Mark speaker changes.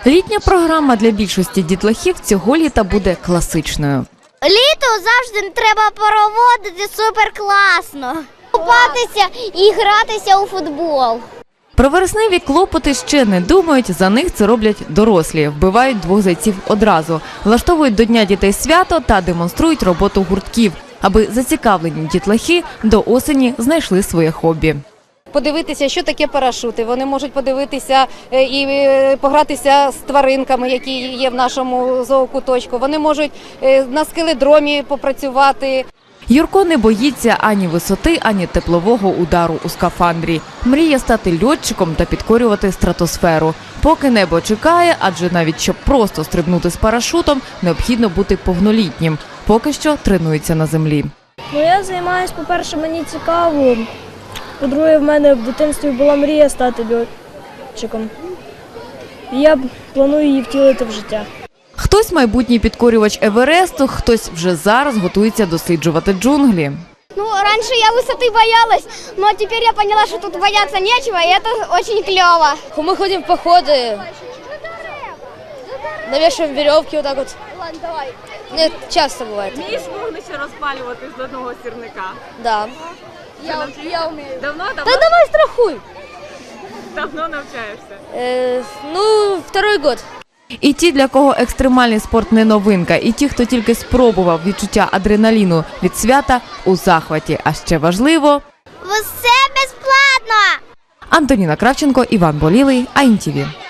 Speaker 1: Літня програма для більшості дітлахів цього літа буде класичною.
Speaker 2: Літо завжди треба проводити суперкласно. Купатися і гратися у футбол.
Speaker 1: Про вересневі клопоти ще не думають, за них це роблять дорослі. Вбивають двох зайців одразу, влаштовують до Дня дітей свято та демонструють роботу гуртків, аби зацікавлені дітлахи до осені знайшли своє хобі.
Speaker 3: Подивитися, що таке парашути. Вони можуть подивитися і погратися з тваринками, які є в нашому зоокуточку. Вони можуть на скеледромі попрацювати.
Speaker 1: Юрко не боїться ані висоти, ані теплового удару у скафандрі. Мріє стати льотчиком та підкорювати стратосферу. Поки небо чекає, адже навіть щоб просто стрибнути з парашутом, необхідно бути повнолітнім. Поки що тренується на землі.
Speaker 4: Я займаюся, по-перше, мені цікаво. По-друге, в мене в дитинстві була мрія стати льотчиком. І я планую її втілити в життя.
Speaker 1: Хтось майбутній підкорювач Евересту, хтось вже зараз готується досліджувати джунглі.
Speaker 2: Раньше я высоты боялась, но теперь я поняла, что тут бояться нечего, и это очень клево.
Speaker 4: Мы ходим в походы, навешиваем веревки вот так вот.
Speaker 2: Ладно, давай.
Speaker 4: Нет, часто бывает.
Speaker 5: Вмієш вогнище розпалювати з одного сірника?
Speaker 4: Да.
Speaker 2: Я умею.
Speaker 5: Давно
Speaker 4: Давай страхуй.
Speaker 5: давно навчаєшся?
Speaker 4: Второй год.
Speaker 1: І ті, для кого екстремальний спорт не новинка, і ті, хто тільки спробував відчуття адреналіну від свята, у захваті. А ще важливо
Speaker 2: Все безплатно.
Speaker 1: – Антоніна Кравченко, Іван Болілий, АІНТІВІ.